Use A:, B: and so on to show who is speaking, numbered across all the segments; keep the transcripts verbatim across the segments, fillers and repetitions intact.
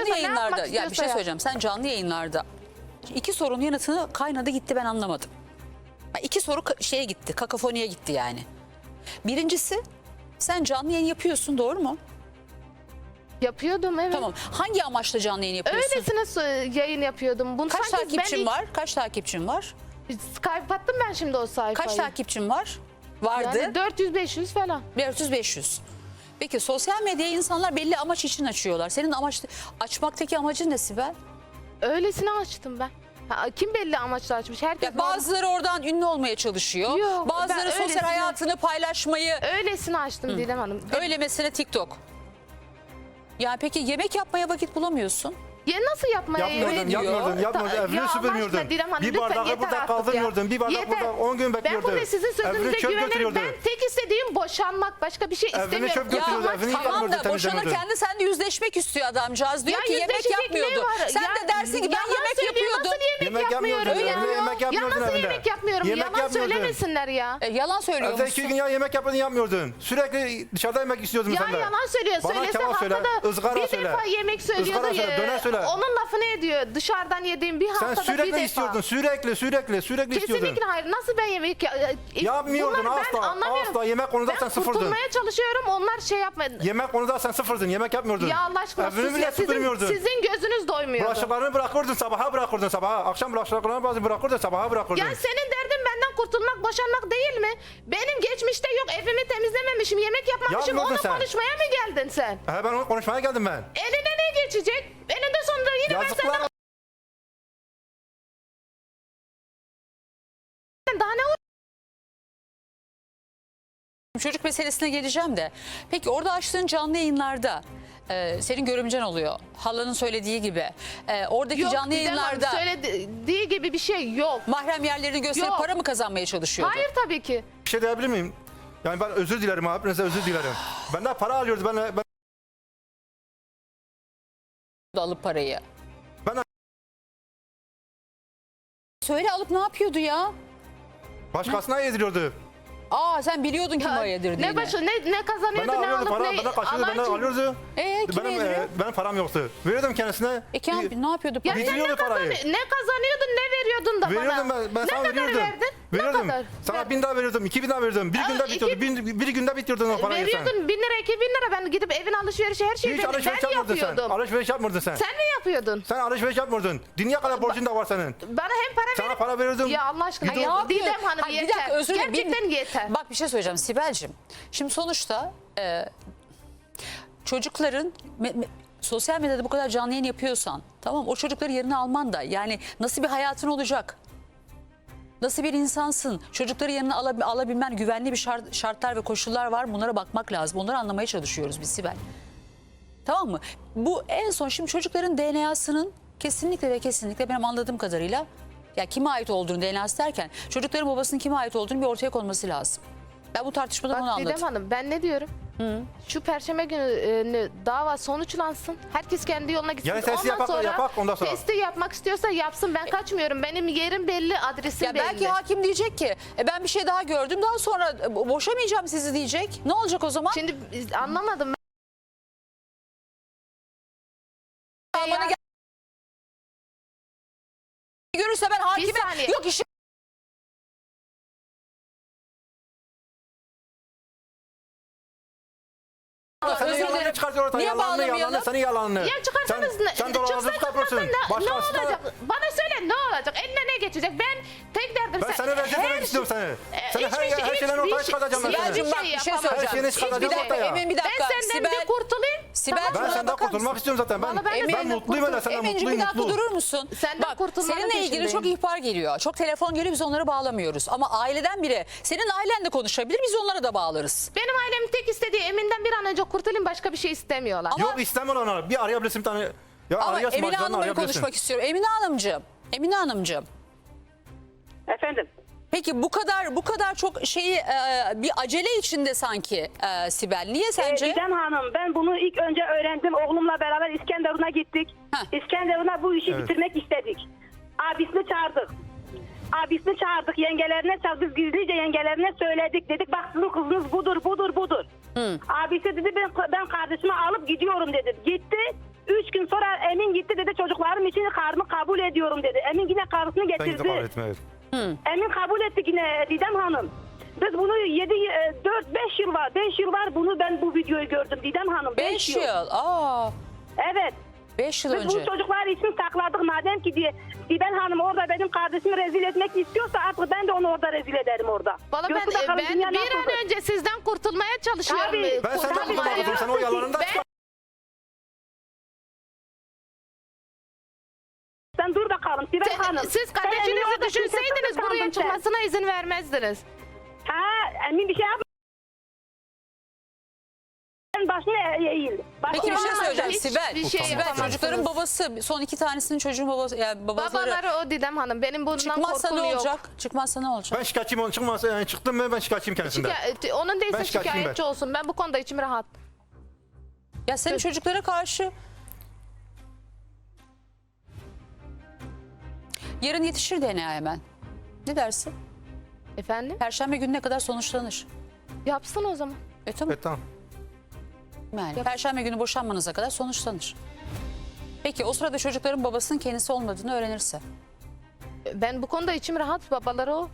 A: canlı
B: istiyorsa, ne
A: yayınlarda
B: yapmak
A: ya bir
B: istiyorsa
A: şey
B: ya.
A: söyleyeceğim. Sen canlı yayınlarda iki sorunun yanıtını kaynadı gitti ben anlamadım. Ha, İki soru ka- şeye gitti, kakafoniye gitti yani. Birincisi sen canlı yayın yapıyorsun, doğru mu?
B: Yapıyordum, evet.
A: Tamam. Hangi amaçla canlı yayın yapıyorsun?
B: Öylesine so- yayın yapıyordum. Bunu
A: Kaç
B: sanki
A: takipçin
B: ben ilk-
A: var? Kaç takipçin var?
B: Kapattım ben şimdi o sayfayı.
A: Kaç takipçin var? Vardı.
B: Yani dört yüz beş yüz falan.
A: dört yüz beş yüz. Peki sosyal medyayı insanlar belli amaç için açıyorlar. Senin amaç açmaktaki amacın ne Sibel?
B: Öylesine açtım ben. Ha, kim belli amaçla açmış? Herkes
A: Ya bazıları oradan ünlü olmaya çalışıyor.
B: Yok,
A: bazıları
B: ben
A: sosyal
B: öylesine-
A: hayatını paylaşmayı.
B: öylesine açtım Didem Hanım.
A: Öyle mesela TikTok. Ya peki yemek yapmaya vakit bulamıyorsun.
B: Ya nasıl yapmaya
A: Yapmıyordun,
B: yemin-
A: yapmıyordun,
C: yapmıyordun.
B: Ta-
C: Evini
B: ya Allah
C: süpürmüyordun.
B: aşkına Didem Hanım,
C: Bir
B: lütfen
C: bardağı
B: yeter
C: burada
B: artık ya.
C: kaldırmıyordun. Bir bardak
B: Yeter.
C: burada on gün bekliyordun.
B: Ben burada sizin sözünüze
C: Evini çöp
B: güvenirim.
C: götürüyordu.
B: Ben tek istediğim boşanmak. Başka bir şey
C: Evini
B: istemiyorum.
C: çöp götürüyordu,
B: amaç-
C: evini
A: Tamam
C: yıkamıyordu,
A: da
C: temizlemiyordu.
A: boşanırken de sen de yüzleşmek istiyor adamcağız. Diyor
B: Ya
A: ki yemek
B: yüzleşecek
A: yapmıyordu.
B: ne var?
A: Sen
B: Ya
A: de dersin ki ben
B: yalan
A: yemek
B: söylüyor,
A: yapıyordum.
B: Nasıl yemek,
C: Yemek
B: yapmıyorum
C: yapmıyordun,
B: ya?
C: evine yemek
B: Ya
C: yapmıyordun
B: nasıl
C: evinde.
B: yemek yapmıyorum?
C: Yemek
B: Yalan
C: yapmıyordun.
B: söylemesinler ya.
A: E, yalan söylüyor
C: Evde
A: musun?
C: iki gün ya yemek yapmadın, yapmıyordun. Sürekli dışarıda yemek istiyordun
B: Ya
C: sen de.
B: yalan söylüyor.
C: Bana
B: Söylese
C: kebap söyle,
B: haftada
C: ızgara
B: bir
C: söyle.
B: defa yemek söylüyordu.
C: Izgara söyle,
B: ya.
C: döner söyle.
B: Onun lafını ediyor. Dışarıdan yediğim bir
C: Sen
B: haftada bir
C: sürekli
B: defa.
C: istiyordun, sürekli, sürekli, sürekli istiyordun.
B: Kesinlikle hayır. Nasıl ben yemek ya- e,
C: Yapmıyordun
B: bunları ben
C: asla,
B: anlamıyorum.
C: asla. Yemek konuda
B: ben
C: sen sıfırdın.
B: kurtulmaya çalışıyorum. Onlar şey yapmadı.
C: Yemek konuda sen sıfırdın, yemek yapmıyordun.
B: Ya Allah aşkına
C: Evini
B: sus
C: bile
B: ya. Sizin,
C: süpürmüyordun.
B: sizin gözünüz doymuyordu.
C: Bulaşıklarını bırakırdın, sabaha bırakırdın sabaha. Akşam bulaşıklarını bazı bırakırdın, sabaha bırakırdın.
B: Ya senin derdin benden kurtulmak, boşanmak değil mi? Benim geçmişte yok, evimi temizlememişim, yemek yapmamışım.
C: Yapmıyordun
B: Onu
C: sen.
B: konuşmaya mı geldin sen?
C: He, ben onu konuşmaya geldim ben.
B: Eline ne geçecek? Eninde sonunda yine ben
C: Yazıklar
B: senden daha ne
A: Çocuk meselesine geleceğim de. Peki orada açtığın canlı yayınlarda e, senin görümcen oluyor. Halanın söylediği gibi. E, oradaki
B: yok,
A: canlı
B: Didem Hanım,
A: yayınlarda
B: söylediği gibi bir şey yok.
A: mahrem yerlerini gösterip
B: Yok.
A: para mı kazanmaya çalışıyordu?
B: Hayır tabii ki.
C: Bir şey diyebilir miyim? Yani ben özür dilerim abi, hepinize özür dilerim. Benden para alıyordu, ben, ben,
A: Alıp parayı.
C: ben
A: Söyle alıp ne yapıyordu ya?
C: başkasına yediriyordu.
A: Aa sen biliyordun kim o yedirdiğini.
B: Ne başı ne ne kazanıyordu
C: Benden
B: ne
C: alıyordu
B: alıp
C: para,
B: ne
C: benden kaçıyordu, benden
B: Allah'ın-
C: alıyordu.
A: Ee, kime
C: Benim,
A: yediriyor?
C: e, benim param yoktu. Veriyordum kendisine.
A: E Kamil ne yapıyordu?
B: Ya
A: para?
B: sen ne,
C: Bitiriyordu parayı.
B: kazan ne kazanıyordun ne veriyordun da
C: Veriyordum
B: bana?
C: ben, ben
B: ne
C: sana
B: kadar
C: veriyordum.
B: verdin?
C: Veriyordum.
B: Ne kadar?
C: Sana
B: Ver-
C: bin daha veriyordum, iki bin daha veriyordum. Bir
B: Aa,
C: günde
B: iki-
C: bitiyordu, bin, bir günde bitiyordun o parayı sen.
B: Veriyordun bin lira iki bin lira ben gidip evin alışverişi her şeyi
C: Hiç
B: ben,
C: alışveriş
B: ben
C: yapmıyordun sen.
B: yapıyordum.
C: Alışveriş yapmıyordun sen.
B: Sen ne yapıyordun?
C: Sen alışveriş yapmıyordun. Dünya kadar borcun da var senin.
B: Bana hem para
C: Sana
B: verip...
C: para veriyordum.
B: Ya Allah aşkına
A: Ay, ne
B: ya,
A: yapıyor?
B: Didem Hanım
A: Hayır, bir
B: yeter.
A: dakika, özür dilerim.
B: Gerçekten
A: Bir-
B: yeter.
A: Bak bir şey söyleyeceğim Sibel'cim. Şimdi sonuçta e, çocukların me- me- sosyal medyada bu kadar canlı yayın yapıyorsan tamam o çocukları yerine alman da yani nasıl bir hayatın olacak? Nasıl bir insansın? Çocukları yanına alab- alabilmen güvenli bir şart, şartlar ve koşullar var. Bunlara bakmak lazım. Onları anlamaya çalışıyoruz biz Sibel. Tamam mı? Bu en son şimdi çocukların D N A'sının kesinlikle ve kesinlikle benim anladığım kadarıyla ya kime ait olduğunu D N A'sı derken çocukların babasının kime ait olduğunu bir ortaya konması lazım. Ben bu tartışmadan onu
B: Bak
A: anladım.
B: Didem Hanım ben ne diyorum? Şu perşembe günü e, dava sonuçlansın. Herkes kendi yoluna gitsin.
C: Yani testi
B: ondan
C: yapak-
B: sonra,
C: yapak, ondan sonra.
B: Testi yapmak istiyorsa yapsın. Ben kaçmıyorum. Benim yerim belli, adresim
A: Ya
B: belli.
A: belki hakim diyecek ki e ben bir şey daha gördüm daha sonra e, bo- boşamayacağım sizi diyecek. Ne olacak o zaman?
B: Şimdi biz- anlamadım. Ben
A: Bana
B: ya-
A: gel- görürse ben hakime
B: saniye.
A: yok işi
C: Sen de
A: özür
C: yalanını
A: dilerim.
C: çıkartıyor ortaya.
A: Niye
C: Yalanını,
A: bağlamayalım?
C: yalanını, senin yalanını.
B: Ya çıkarsanız
C: sen,
B: ne?
C: Sen dolandırıcı
B: çıksa
C: kapıyorsun.
B: çıkmasın ne, ne
C: Başkasına-
B: olacak? Bana söyle ne olacak? Eline ne geçecek? Ben tek derdim
C: Ben seni rezil etmek istiyorum seni. Seni her,
B: hiçbir şey-
C: her şeyden
B: hiçbir
C: ortaya
B: şey-
C: çıkartacağım ben
B: Sibel'cim
C: seni.
A: Sibel'cim bak bir şey
B: yapamam.
A: söyleyeceğim.
C: Her şeyini çıkaracağım
A: Bir dakika,
C: ortaya.
A: Emin bir dakika.
B: Ben senden
A: Sibel,
B: bir kurtulayım.
A: Sibel,
B: Tamam.
C: Ben
A: Bana
C: senden
A: bakar
C: kurtulmak
A: mısın?
C: istiyorum zaten. Ben,
B: Vallahi ben de
C: ben
B: senden
C: mutluyum öyle, senden
A: Emin'cim
C: mutluyum,
A: bir dakika
C: mutlu.
A: durur musun?
B: Senden
A: Bak
B: kurtulmanın
A: seninle ilgili
B: peşindeyim.
A: çok ihbar geliyor. Çok telefon geliyor biz onları bağlamıyoruz. Ama aileden biri senin ailenle konuşabilir biz onlara da bağlarız.
B: Benim ailemin tek istediği Emin'den bir an önce kurtulayım başka bir şey istemiyorlar.
A: Ama-
C: Yok istemiyorum onu. Bir arayabilirsin bir tane. Ya
A: Ama
C: arayasın,
A: Emine
C: bacılarını
A: Hanım'la bir
C: arayabilirsin.
A: konuşmak istiyorum. Emine Hanımcığım. Emine Hanımcığım.
D: Efendim.
A: Peki bu kadar bu kadar çok şeyi e, bir acele içinde sanki e, Sibel. Niye sence?
D: Ee, Didem Hanım ben bunu ilk önce öğrendim. Oğlumla beraber İskenderun'a gittik.
A: Heh.
D: İskenderun'a bu işi
C: Evet.
D: bitirmek istedik. Abisini çağırdık. Abisini çağırdık. Yengelerine çağırdık. Biz gizlice yengelerine söyledik. Dedik bak sizin kızınız budur budur budur. Abisi dedi ben, ben kardeşimi alıp gidiyorum dedi. Gitti. Üç gün sonra Emin gitti dedi çocuklarım için karnı kabul ediyorum dedi. Emin yine karısını
C: Ben gidip kabul
D: getirdi.
C: etme, evet.
D: Emin kabul etti yine Didem Hanım. Biz bunu yedi, dört, beş yıl var. beş yıl var bunu ben bu videoyu gördüm Didem Hanım.
A: beş yıl. Aa,
D: Evet.
A: beş yıl
D: Biz
A: önce.
D: bu çocuklar için sakladık madem ki diye. Didem Hanım orada benim kardeşimi rezil etmek istiyorsa artık ben de onu orada rezil ederim orada.
B: Valla ben,
D: Görsün bakalım
B: ben
D: dünya
B: bir
D: nasıldır.
B: an önce sizden kurtulmaya çalışıyorum.
D: Tabii.
B: Ee,
C: Ben senden
B: kurtulmaya.
C: kurtulamadım. Sen o yalanından
B: Ben-
C: çıkar.
D: Sen dur bakalım Sibel
B: Sen-
D: Hanım.
B: siz
D: Sen Emin'i
B: kardeşinizi
D: orada
B: düşünseydiniz
D: kimse
B: buraya
D: tutmadın sen.
B: çıkmasına izin vermezdiniz.
D: Ha Emin bir şey yapma. Sen başını e- eğil. Başını
A: Peki bir şey
D: eğil.
A: söyleyeceğim
B: Hiç
A: Sibel.
B: bir şey
A: Sibel
B: yapamazsınız.
A: çocukların babası, son iki tanesinin çocuğun babası, yani babaları
B: Babaları o Didem Hanım. Benim bundan
A: çıkmazsa
B: korkum
A: ne
B: yok.
A: olacak? Çıkmazsa ne olacak?
C: Ben şikayetçiyim, onun çıkmazsa yani çıktım mı ben şikayetçiyim kendisinden.
B: Şikayet- onun değilse
C: Ben şikayetçiyim
B: şikayetçi
C: ben.
B: olsun. Ben bu konuda içim rahat.
A: Ya senin çocuklara karşı yarın yetişir D N A hemen. Ne dersin?
B: Efendim?
A: Perşembe gününe kadar sonuçlanır.
B: Yapsın o zaman.
A: E tamam.
C: Evet tamam.
A: Yani Perşembe günü boşanmanıza kadar sonuçlanır. Peki o sırada çocukların babasının kendisi olmadığını öğrenirse?
B: Ben bu konuda içim rahat. Babaları o.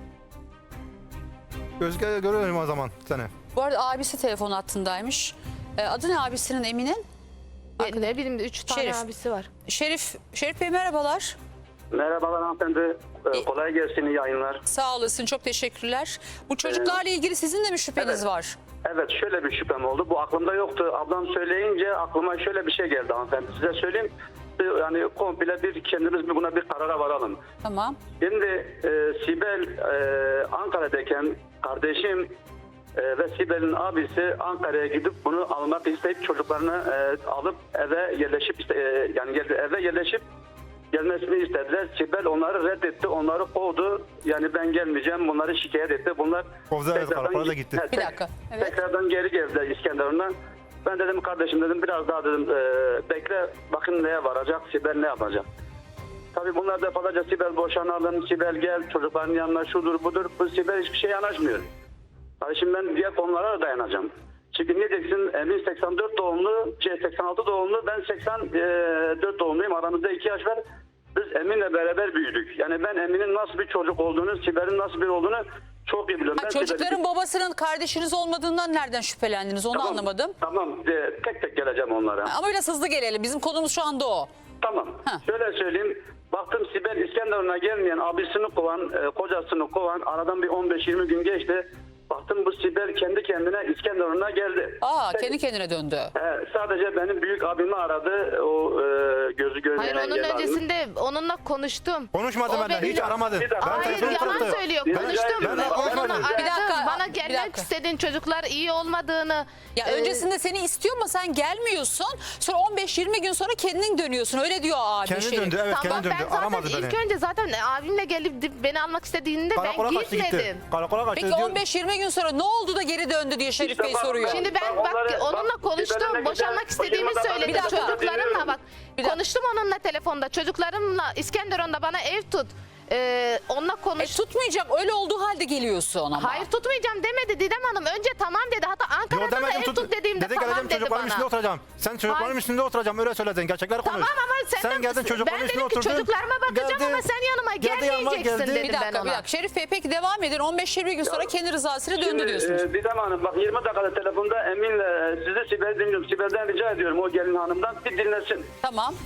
C: Özge görüyorum o zaman seni.
A: Bu arada abisi telefon hattındaymış. Ee, adı ne abisinin Emin'in?
B: E, ne bileyim üç tane
A: Şerif.
B: abisi var.
A: Şerif, Şerif Bey merhabalar.
E: Merhabalar hanımefendi. Ee, kolay gelsin, iyi yayınlar.
A: Sağ olasın, çok teşekkürler. Bu çocuklarla ilgili sizin de mi şüpheniz
E: evet.
A: var?
E: Evet, şöyle bir şüphem oldu. Bu aklımda yoktu. Ablam söyleyince aklıma şöyle bir şey geldi hanımefendi. Size söyleyeyim. Bir- Yani komple bir kendimiz bir buna bir karara varalım.
A: Tamam.
E: Şimdi e, Sibel e, Ankara'dayken kardeşim e, ve Sibel'in abisi Ankara'ya gidip bunu almak isteyip çocuklarını e, alıp eve yerleşip iste- e, yani geldi eve yerleşip gelmesini istediler. Sibel onları reddetti, onları kovdu. Yani ben gelmeyeceğim, bunları şikayet etti. Bunlar
C: Kovdu, evet,
E: tekrardan-
C: karakola da gitti.
E: Evet,
A: Bir dakika, evet.
E: Tekrardan geri geldiler İskenderun'a. Ben dedim kardeşim dedim biraz daha dedim e, bekle bakın neye varacak, Sibel ne yapacak. Tabii bunlar defalarca Sibel boşanalım, Sibel gel çocukların yanına şudur budur. Bu Sibel hiçbir şey yanaşmıyor. Tabii şimdi ben diğer konulara da dayanacağım. Çünkü ne diyeceksin Emin seksen dört doğumlu, şey seksen altı doğumlu, ben seksen dört doğumluyum. Aramızda iki yaş var. Biz Emin'le beraber büyüdük. Yani ben Emin'in nasıl bir çocuk olduğunu, Sibel'in nasıl bir olduğunu çok iyi biliyorum.
A: Ha,
E: Ben
A: çocukların
E: Sibel'i-
A: babasının kardeşiniz olmadığından nereden şüphelendiniz onu
E: Tamam,
A: anlamadım.
E: Tamam, e, tek tek geleceğim onlara.
A: Ama biraz hızlı gelelim. Bizim konumuz şu anda o.
E: Tamam.
A: Ha.
E: Şöyle söyleyeyim. Baktım Sibel İskenderun'a gelmeyen, abisini kovan, e, kocasını kovan. Aradan bir on beş yirmi gün geçti. Baktım bu Sibel kendi kendine İskenderun'a geldi.
A: Aa,
E: Peki.
A: kendi kendine döndü.
E: He, sadece benim büyük abimi aradı. O e, gözü görmeyen
B: Hayır onun
E: engelli abim.
B: öncesinde onunla konuştum.
C: Konuşmadı
B: O
C: benden,
B: beni-
C: hiç aramadı.
E: Bir dakika.
C: Ben
B: Hayır
C: telefonu
B: yalan
C: taktı.
B: söylüyor.
E: Bir-
B: Konuştum.
E: Ben- ben
B: Onunla
C: konuşmadım.
B: aradım.
A: Bir dakika,
B: Bana
A: bir
B: gelmek
A: dakika.
B: istediğin çocuklar iyi olmadığını.
A: Ya
B: e,
A: öncesinde seni istiyor ama sen gelmiyorsun. Sonra on beş yirmi gün sonra kendin dönüyorsun. Öyle diyor abi.
C: Kendi
A: Şerif.
C: döndü, evet
B: Tamam
C: kendi
B: ben
C: döndü.
B: zaten
C: Aramadı
B: ilk
C: beni.
B: önce zaten abimle gelip beni almak istediğinde
C: Karakola
B: ben
C: kaçtı gitti.
B: gitmedim.
C: Karakola kaçtı.
A: Peki
C: diyor-
A: on beş yirmi gün sonra ne oldu da geri döndü diye Şerif
E: İşte
A: Bey
E: bak-
A: soruyor.
B: Şimdi ben
E: Bak
B: bak
E: onları-
B: onunla
E: bak, Sibel'e
B: konuştum.
E: ne
B: Boşanmak
E: güzel,
B: istediğimi
E: başıma da
B: söyledi.
A: Bir dakika.
B: Çocuklarımla bak.
A: Bir dakika.
B: Konuştum onunla telefonda. Çocuklarımla İskenderun'da bana ev tut. Ee, onunla
A: E,
B: konuş.
A: tutmayacak öyle olduğu halde geliyorsun ama.
B: Hayır tutmayacağım demedi Didem Hanım. Önce tamam dedi. Hatta
C: Yo
B: Ankara'da da
C: demedim
B: ev
C: tut.
B: tut dediğimde
C: Dedi
B: tamam
C: geleceğim
B: dedi
C: çocukların
B: bana.
C: üstünde oturacağım. Sen çocukların
B: Hayır.
C: üstünde oturacağım öyle söyledin. Gerçekleri konuş.
B: Tamam ama sen,
C: Sen geldin çocukların
B: ben
C: üstüne
B: dedim ki
C: oturdun.
B: çocuklarıma bakacağım
C: Geldi-
B: ama sen yanıma
C: geldi yanıma
B: gelmeyeceksin
C: geldi.
B: dedim
A: Bir
B: ben
A: dakika
B: ona.
A: bir dakika. Şerif Bey peki devam edin. on beş yirmi gün sonra kendi rızasıyla döndü
E: Şimdi,
A: diyorsunuz.
E: e, Didem Hanım bak yirmi dakikada telefonda Emin'le e, sizi Sibel dinliyorum. Sibel'den rica ediyorum o gelin hanımdan bir dinlesin.
A: Tamam.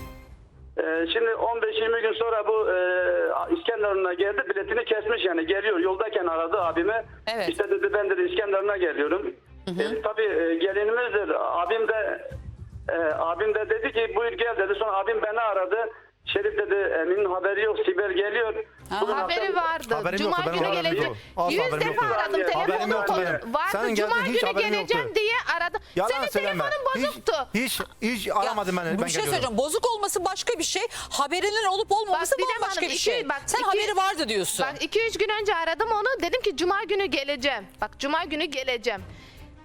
E: Ee, şimdi on beş yirmi gün sonra bu e, İskenderun'a geldi, biletini kesmiş yani geliyor. Yoldayken aradı abimi.
A: Evet.
E: İşte dedi ben dedi İskenderun'a geliyorum. E, tabii e, gelinimizdir. Abim de e, abim de dedi ki buyur gel dedi. Sonra abim beni aradı. Şerif dedi Emin'in haberi yok. Sibel geliyor.
A: Ha.
E: Bugün
B: Haberi
E: akşam-
B: vardı.
C: Haberim
B: Cuma
C: yoktu, benim
B: günü
C: haberim
B: gelecek.
C: yok. Asla
B: Yüz
C: haberim
B: defa
C: yoktu.
B: aradım.
E: Haberim
B: Telefonum
C: yoktu
B: konu
C: benim.
B: vardı.
C: Sen
B: Cuma
C: geldin, hiç
B: günü
C: haberim
B: geleceğim
C: yoktu.
B: diye aradı.
C: Yalan
B: Senin
C: söyleme.
B: telefonun
C: Hiç,
B: bozuktu.
C: hiç, hiç
A: Ya,
C: aramadı beni.
A: bu
C: Ben
A: bir şey
C: geliyorum.
A: söyleyeceğim. Bozuk olması başka bir şey. Haberinin olup olmaması
B: Bak, Didem
A: bambaşka
B: Hanım,
A: bir
B: iki-
A: şey.
B: bak,
A: Sen
B: iki-
A: haberi vardı diyorsun.
B: Bak iki üç gün önce aradım onu. Dedim ki cuma günü geleceğim. Bak cuma günü geleceğim.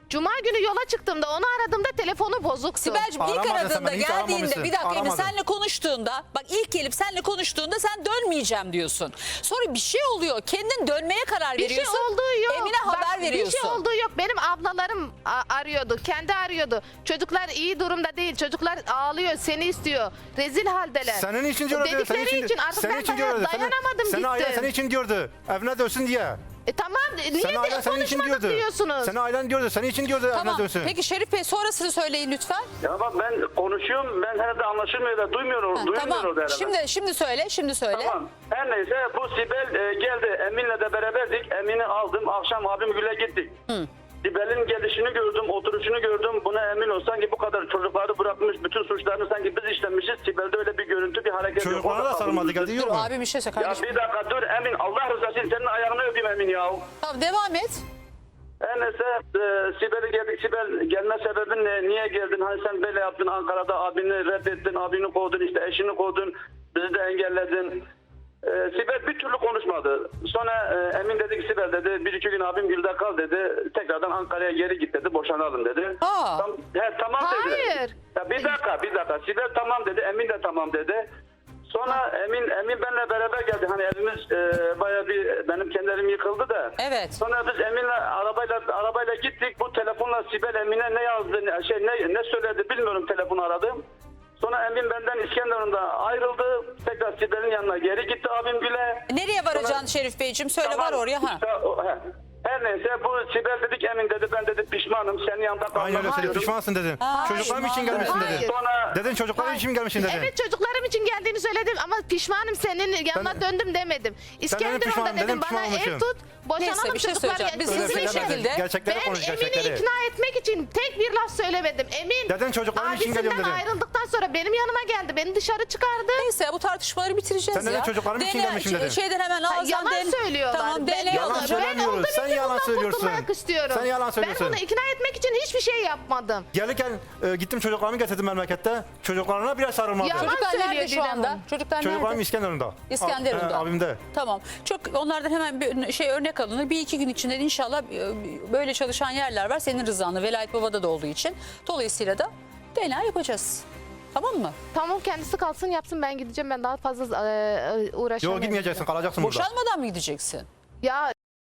B: Cuma günü yola çıktığımda onu aradığımda telefonu bozuktu.
A: Sibel'cim ilk
C: Aramadın sen
A: aradığında
C: beni, hiç
A: geldiğinde
C: aramamışsın.
A: bir dakika Emin
C: Aramadın.
A: senle konuştuğunda bak ilk gelip senle konuştuğunda sen dönmeyeceğim diyorsun. Sonra bir şey oluyor. Kendin dönmeye karar
B: Bir şey
A: veriyorsun.
B: olduğu yok.
A: Emine
B: Bak,
A: haber veriyorsun.
B: Bir şey olduğu yok. Benim ablalarım a- arıyordu. Kendi arıyordu. Çocuklar iyi durumda değil. Çocuklar ağlıyor. Seni istiyor. Rezil haldeler.
C: Senin için diyordu.
B: Dedikleri
C: Senin
B: için artık
C: senin
B: ben
C: için
B: daya-
C: diyordu.
B: dayanamadım
C: Seni ailen
B: gittim.
C: senin için diyordu. Evine dönsün diye.
B: E tamam. Niye
C: Senin ailen
B: de
C: senin için
B: konuşmadık
C: diyordu.
B: diyorsunuz?
C: Senin ailen diyordu. Senin için diyordu
A: Tamam.
C: evine dönsün.
A: Peki Şerif Bey sonrasını söyleyin lütfen.
E: Ya bak ben konuşuyorum, ben herhalde anlaşılmıyor da duymuyor,
A: Ha,
E: duymuyor
A: tamam.
E: orada herhalde.
A: Şimdi şimdi söyle. Şimdi söyle.
E: Tamam. Her neyse bu Sibel e, geldi. Emin'le de beraberdik. Emin'i aldım. Akşam abim Gül'e gittik. Sibel'in gelişini gördüm, oturuşunu gördüm. Buna emin ol. Sanki bu kadar çocukları bırakmış, bütün suçlarını sanki biz işlemişiz. Sibel'de öyle bir görüntü, bir hareket yok.
C: Çocuklara
E: Orada
C: da sarılmadı.
E: kalmışız.
C: Geldi
A: Dur
C: yok mu?
A: abi bir şey söyle
E: Ya
A: kardeşim.
E: bir dakika dur Emin. Allah rızası için senin ayağını öpeyim Emin ya.
A: Tamam devam et.
E: Her neyse e, Sibel'e geldik. Sibel gelme sebebin ne? Niye geldin? Hani sen böyle yaptın Ankara'da abini reddettin, abini kovdun, işte eşini kovdun, bizi de engelledin. E, Sibel bir türlü konuşmadı. Sonra e, Emin dedi ki Sibel dedi bir iki gün abim Gül'de kal dedi. Tekrardan Ankara'ya geri git dedi. Boşanalım dedi.
A: Aa.
E: Tam, he, tamam dedi.
B: Hayır.
E: Ya bir dakika bir dakika. Sibel tamam dedi. Emin de tamam dedi. Sonra Emin Emin benimle beraber geldi. Hani evimiz e, bayağı bir benim kendi evim yıkıldı da.
A: Evet.
E: Sonra biz Emin'le arabayla arabayla gittik. Bu telefonla Sibel Emin'e ne yazdı, ne, şey ne, ne söyledi bilmiyorum, telefonu aradım. Sonra Emin benden İskenderun'da ayrıldı. Tekrar Sibel'in yanına geri gitti abim Gül'e.
A: Nereye varacaksın
E: Sonra-
A: Şerif Beyciğim? Söyle
E: Tamam,
A: var oraya. Ha.
E: işte o- he. Her neyse bu Sibel dedik Emin dedi ben dedi pişmanım senin yanında kalmak
C: Aynen öyle söyledi.
E: istiyorum.
C: Pişmansın dedin.
A: Hayır.
C: Çocuklarım için
A: Hayır.
C: gelmişsin
B: Hayır.
C: dedin.
E: Sonra
C: Dedin çocuklarım için gelmişsin dedin.
B: Evet çocuklarım için geldiğini söyledim ama pişmanım senin yanına
C: Sen-
B: döndüm demedim. İskenderun'da
C: pişman,
B: dedim
C: dedim,
B: bana
C: pişman
B: ev
C: olmuşum.
B: tut boşanalım
A: Neyse, bir şey
B: çocuklar
A: söyleyeceğim. Biz
B: gelsin.
A: hızlı bir
C: Öyle demedin.
A: şekilde-
C: Gerçekleri
B: Ben
C: konuş
B: Emin'i
C: gerçekleri.
B: ikna etmek için tek bir laf söylemedim. Emin
C: Dedin çocuklarım için geliyorum
B: abisinden
C: dedin.
B: ayrıldıktan sonra benim yanıma geldi. Beni dışarı çıkardı.
A: Neyse bu tartışmaları bitireceğiz
C: Sen
A: ya.
C: neden çocuklarım için
A: D N A
C: gelmişim dedin?
A: Şeyden hemen
B: Ha,
A: ağızdan
B: yalan
A: den-
B: söylüyorlar.
A: Tamam
B: Ben-
A: D N A
C: Yalan
A: alır.
C: söylemiyoruz.
B: olduğunu
C: Sen
B: bildiğim
C: yalan
B: bundan
C: söylüyorsun.
B: kurtulmak istiyorum.
C: Sen yalan söylüyorsun.
B: Ben onu ikna etmek için hiçbir şey yapmadım.
C: Gelirken e, gittim çocuklarımı getirdim memlekette. Çocuklarına bile sarılmadı.
B: Yalan
A: Çocuklar
B: söylüyor
A: nerede şu
B: Didem
A: anda?
B: Hanım.
A: Çocuklar
C: Çocuklarım
A: nerede?
C: İskenderun'da.
A: İskenderun'da.
C: A- e, abimde.
A: Tamam. Çok onlardan hemen bir şey örnek alınır. Bir iki gün içinde inşallah e, böyle çalışan yerler var. Senin rızanla Velayet Baba'da da olduğu için. Dolayısıyla da D N A yapacağız. Tamam mı?
B: Tamam kendisi kalsın yapsın ben gideceğim. Ben daha fazla e, e, uğraşamam.
C: Yok gitmeyeceksin, kalacaksın burada.
A: Boşanmadan mı gideceksin?
B: Ya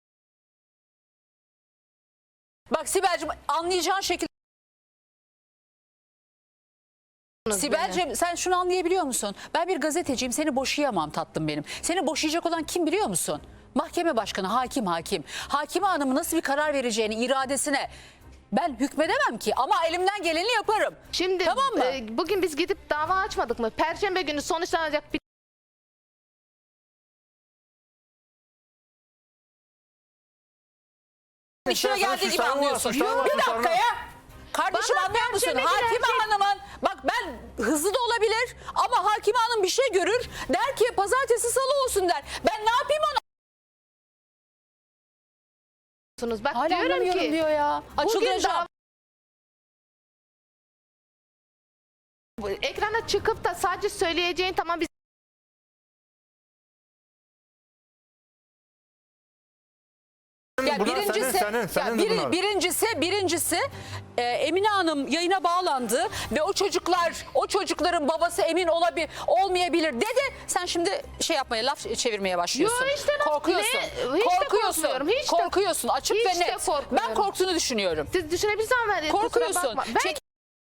A: Bak Sibel'cim anlayacağın şekilde. Sibel'cim sen şunu anlayabiliyor musun? Ben bir gazeteciyim, seni boşayamam tatlım benim. Seni boşayacak olan kim biliyor musun? Mahkeme başkanı, hakim hakim. Hakime hanımın nasıl bir karar vereceğini, iradesine ben hükmedemem ki. Ama elimden geleni yaparım.
B: şimdi
A: Tamam mı?
B: e, bugün biz gidip dava açmadık mı? Perşembe günü sonuçlanacak bir
A: İşine
C: Sen- sen
A: geldiği gibi
C: suçların var,
A: anlıyorsun.
C: suçların var,
A: Bir
C: suçların
A: dakika
C: var.
A: ya. Kardeşim
B: Bana
A: anlıyor musun?
B: Perşembe günü
A: Hakime
B: her şey-
A: hanımın bak ben hızlı da olabilir ama hakime hanım bir şey görür. Der ki pazartesi salı olsun der. Ben ne yapayım ona?
B: Bak
A: Hala
B: diyorum
A: anlamıyorum
B: ki
A: diyor ya.
B: bugün
A: Açılacağım.
B: dava- ekrana çıkıp da sadece söyleyeceğin tamam biz
A: Ya
C: Bunlar
A: birincisi,
C: senin, senin,
A: ya
C: senin
A: biri-
C: bunlar.
A: birincisi, birincisi e, Emine Hanım yayına bağlandı ve o çocuklar, o çocukların babası emin olabilir, olmayabilir dedi. Sen şimdi şey yapmaya, laf çevirmeye başlıyorsun.
B: Yo, işte laf-
A: korkuyorsun.
B: ne? Hiç de
A: korkuyorsun.
B: korkmuyorum, hiç de-
A: korkuyorsun. Açık
B: hiç
A: ve
B: de
A: net. Ben
B: korkmuyorum.
A: korktuğunu düşünüyorum.
B: siz düşünebilirsiniz ama kusura
A: Korkuyorsun.
B: bakma. Ben
A: Çek-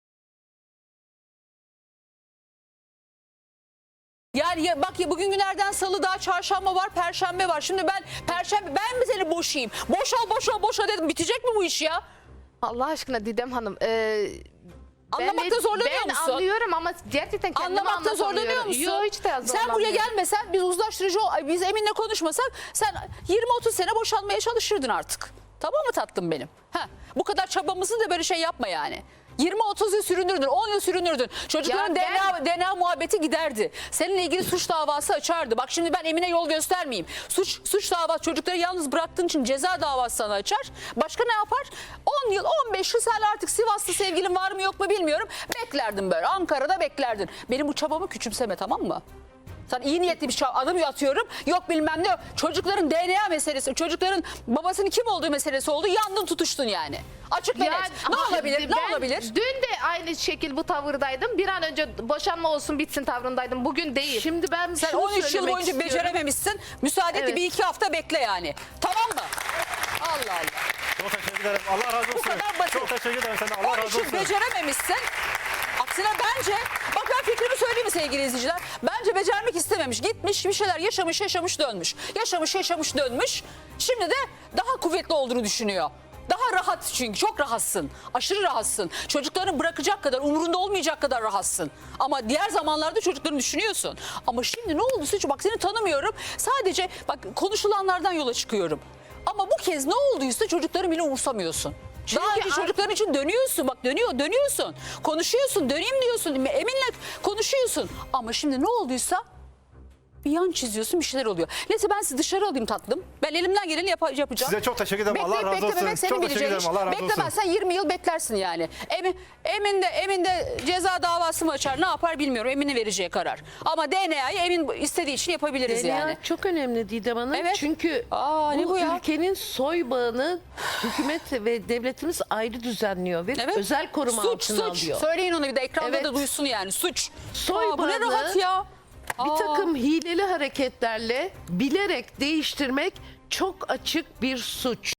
A: Yani ya, bak ya bugün günlerden salı daha çarşamba var, perşembe var. Şimdi ben perşembe ben mi seni boşayayım? Boşal boşal boşal dedim. Bitecek mi bu iş ya?
B: Allah aşkına Didem Hanım e,
A: Anlamakta
B: ben-
A: zorlanıyor
B: ben
A: musun?
B: anlıyorum ama gerçekten kendimi
A: Anlamakta zorlanıyor
B: anlatamıyorum.
A: musun?
B: Yok hiç de
A: Sen buraya
B: zorlanmıyorum.
A: gelmesen biz uzlaştırıcı ol- biz Emin'le konuşmasak sen yirmi otuz sene boşanmaya çalışırdın artık. Tamam mı tatlım benim? Heh, bu kadar çabamızı da böyle şey yapma yani. yirmi otuz yıl sürünürdün, on yıl sürünürdün. Çocukların
B: Ya
A: D N A, D N A muhabbeti giderdi. Seninle ilgili suç davası açardı. Bak şimdi ben Emine yol göstermeyeyim. Suç suç davası çocukları yalnız bıraktığın için ceza davası sana açar. Başka ne yapar? on yıl, on beş yıl sen artık Sivaslı sevgilin var mı yok mu bilmiyorum. Beklerdin böyle. Ankara'da beklerdin. Benim bu çabamı küçümseme tamam mı? Sana iyi niyetli bir şey adım atıyorum. Yok bilmem ne. Çocukların D N A meselesi, çocukların babasının kim olduğu meselesi oldu. Yandın tutuştun yani. Açık ve
B: Ya,
A: net. Ne olabilir? Ne
B: ben
A: olabilir?
B: Dün de aynı şekil bu tavırdaydım. Bir an önce boşanma olsun bitsin tavrındaydım. Bugün değil.
F: Şimdi ben
A: Sen
F: şunu
A: on üç yıl
F: söylemek
A: boyunca
F: istiyorum.
A: becerememişsin. Müsaade et
F: Evet.
A: bir iki hafta bekle yani. Tamam mı? Allah Allah.
C: Çok teşekkür ederim. Allah razı olsun.
A: kadar basit.
C: Çok teşekkür ederim senden. Allah
A: on üç
C: razı
A: yıl
C: olsun.
A: becerememişsin. Aksine bence, bak ben fikrimi söyleyeyim mi sevgili izleyiciler? Bence becermek istememiş. Gitmiş bir şeyler yaşamış yaşamış dönmüş. Yaşamış yaşamış dönmüş. Şimdi de daha kuvvetli olduğunu düşünüyor. Daha rahat çünkü çok rahatsın. Aşırı rahatsın. Çocuklarını bırakacak kadar, umurunda olmayacak kadar rahatsın. Ama diğer zamanlarda çocuklarını düşünüyorsun. Ama şimdi ne oldu Suçu? Bak seni tanımıyorum. Sadece bak konuşulanlardan yola çıkıyorum. Ama bu kez ne olduysa çocukları bile umursamıyorsun. Daha önce
B: ar-
A: çocukların için dönüyorsun. Bak dönüyor, dönüyorsun. Konuşuyorsun, döneyim diyorsun. Eminle konuşuyorsun. Ama şimdi ne olduysa bir yan çiziyorsun, bir şeyler oluyor. Neyse ben sizi dışarı alayım tatlım. Ben elimden geleni yap- yapacağım.
C: Size çok teşekkür ederim. Allah
A: Bekleyip
C: razı olsun.
A: beklememek senin
C: Çok teşekkür
A: bileceğin
C: ederim.
A: iş.
C: Allah razı olsun.
A: Beklemezsen yirmi yıl beklersin yani. Emin, Emin de Emin de ceza davası mı açar, ne yapar bilmiyorum. Emin'in vereceği karar. Ama D N A'yı Emin istediği için yapabiliriz
F: D N A
A: yani.
F: çok önemli Didem Hanım.
A: Evet.
F: Çünkü
A: Aa, ne
F: bu,
A: bu ya?
F: ülkenin soy bağını hükümet ve devletimiz ayrı düzenliyor ve
A: Evet.
F: özel koruma
A: suç,
F: altına
A: suç.
F: alıyor.
A: Söyleyin onu bir de ekranda
F: Evet.
A: da duysun yani. Suç.
F: Soy
A: Aa, bu ne
F: bağını
A: rahat ya.
F: Bir
A: Aa.
F: takım hileli hareketlerle bilerek değiştirmek çok açık bir suç.